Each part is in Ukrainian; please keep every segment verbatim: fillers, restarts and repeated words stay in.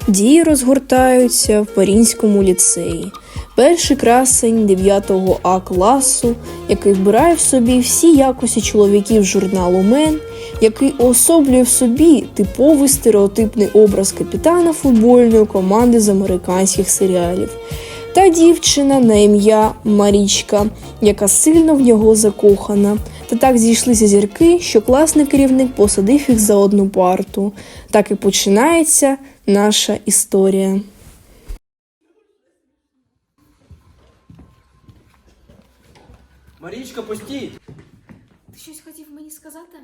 Дії розгортаються в Маріїнському ліцеї. Перший красень дев'ятого А класу, який вбирає в собі всі якості чоловіків журналу «Мен», який уособлює в собі типовий стереотипний образ капітана футбольної команди з американських серіалів. Та дівчина на ім'я Марічка, яка сильно в нього закохана. Та так зійшлися зірки, що класний керівник посадив їх за одну парту. Так і починається наша історія. Марічка, постій! Ти щось хотів мені сказати?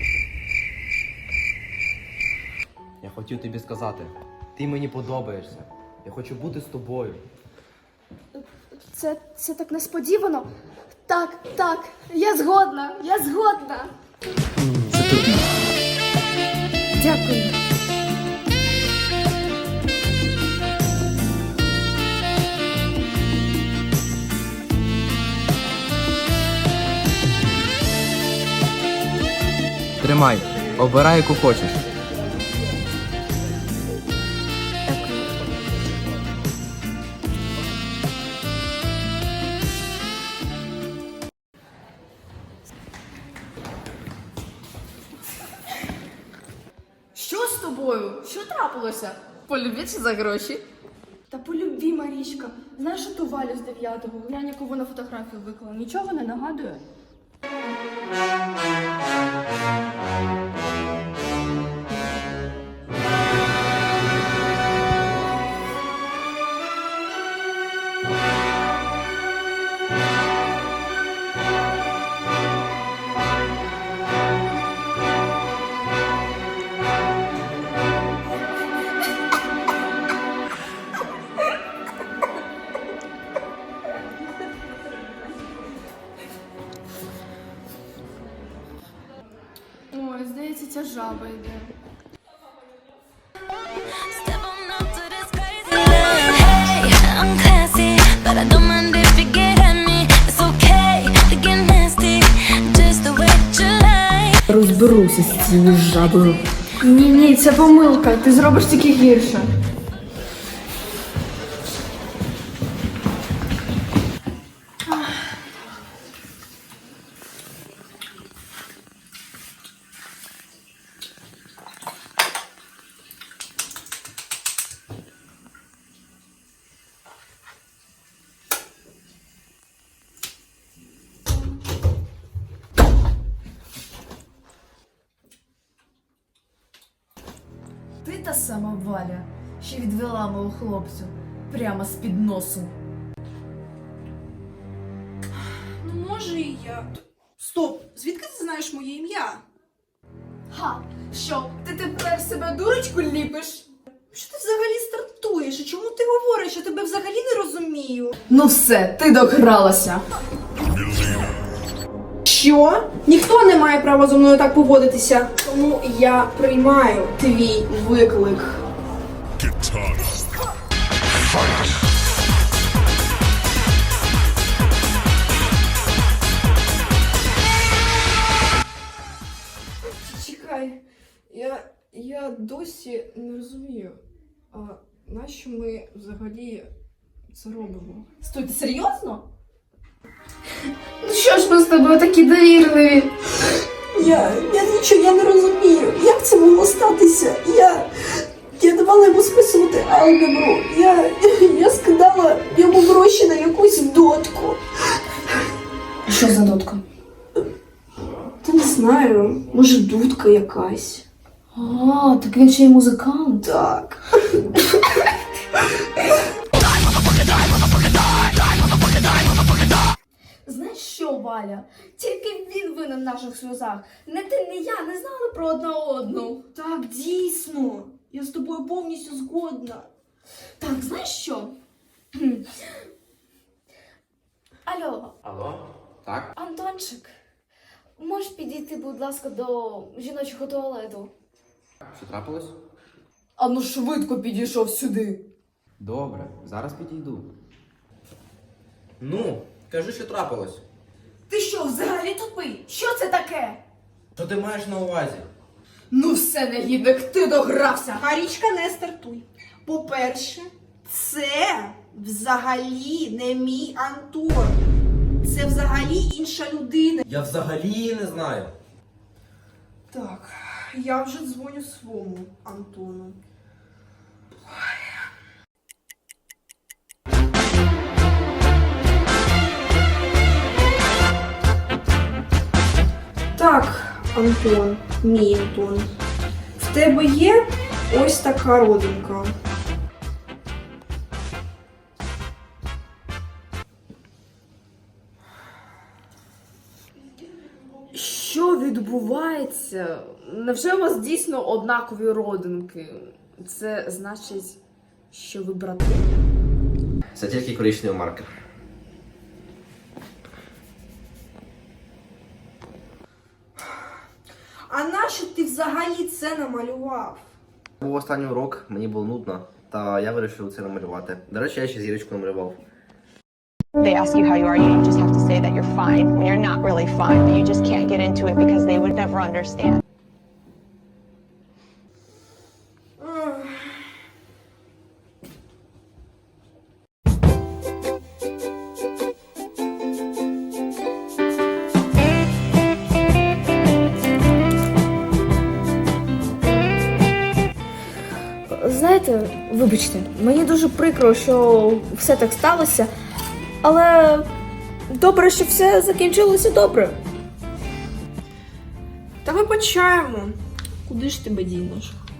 Я хотів тобі сказати, ти мені подобаєшся. Я хочу бути з тобою. Це, це так несподівано. Так, так, я згодна, я згодна. Це тобі. Дякую. Тримай, обирай, яку хочеш. Що з тобою? Що трапилося? Полюбіться за гроші? Та по любві, Марічка. Знаєш ту Валю з дев'ятого? Глянь, яку вона фотографію виклала. Нічого не нагадує? Ой, здається, ця жаба йде. Step on up to this crazy love. Hey, I'm classy, but I don't mind if you get at me. It's okay to get nasty, just the way that you like. Розберуся з цією жабою. Ні-ні, це помилка. Ти зробиш тільки гірше. Ти та сама Валя, що відвела мого хлопцю прямо з-під носу. Ну, може, і я. Стоп! Звідки ти знаєш моє ім'я? Ха! Що, ти тепер себе дурочку ліпиш? Що ти взагалі стартуєш? І чому ти говориш? Я тебе взагалі не розумію. Ну все, ти догралася. Що? Ніхто не має права зі мною так поводитися. Тому я приймаю твій виклик. Чекай, я, я досі не розумію, а нащо ми взагалі це робимо? Стой, ти серйозно? Ну що ж ми з тобою такі довірливі? Я, я нічого, я не розумію, як це могло статися. Я, я давала йому списувати алгебру. Я, я скидала йому гроші на якусь дотку. Що за дотка? Та не знаю, може дудка якась. А, так він ще й музикант. Так. Знаєш що, Валя? Тільки він винен в наших сльозах. Не ти, не я не знали про одна одну. Так, дійсно. Я з тобою повністю згодна. Так, знаєш що? Кхм. Алло, Алло? Так? Антончик, можеш підійти, будь ласка, до жіночого туалету? Що трапилось? А ну швидко підійшов сюди. Добре, зараз підійду. Ну, кажи, що трапилось. Ти що, взагалі тупий? Що це таке? Що ти маєш на увазі? Ну все, негідник, ти догрався. Марічка, не стартуй. По-перше, це взагалі не мій Антон. Це взагалі інша людина. Я взагалі її не знаю. Так, я вже дзвоню своєму Антону. Так, Антон, мій Антон. В тебе є ось така родинка. Що відбувається? Невже у вас дійсно однакові родинки? Це значить, що ви брати? Це тільки коричневий маркер. А нащо ти взагалі це намалював? Був останній урок, мені було нудно, та я вирішив це намалювати. До речі, я ще зірочку намалював. They ask you how you are, you just have to say that you're fine when you're not really fine, but you just can't get into it because they would never understand. Знаєте, вибачте, мені дуже прикро, що все так сталося, але добре, що все закінчилося добре. Та вибачаємо. Куди ж тебе дінеш?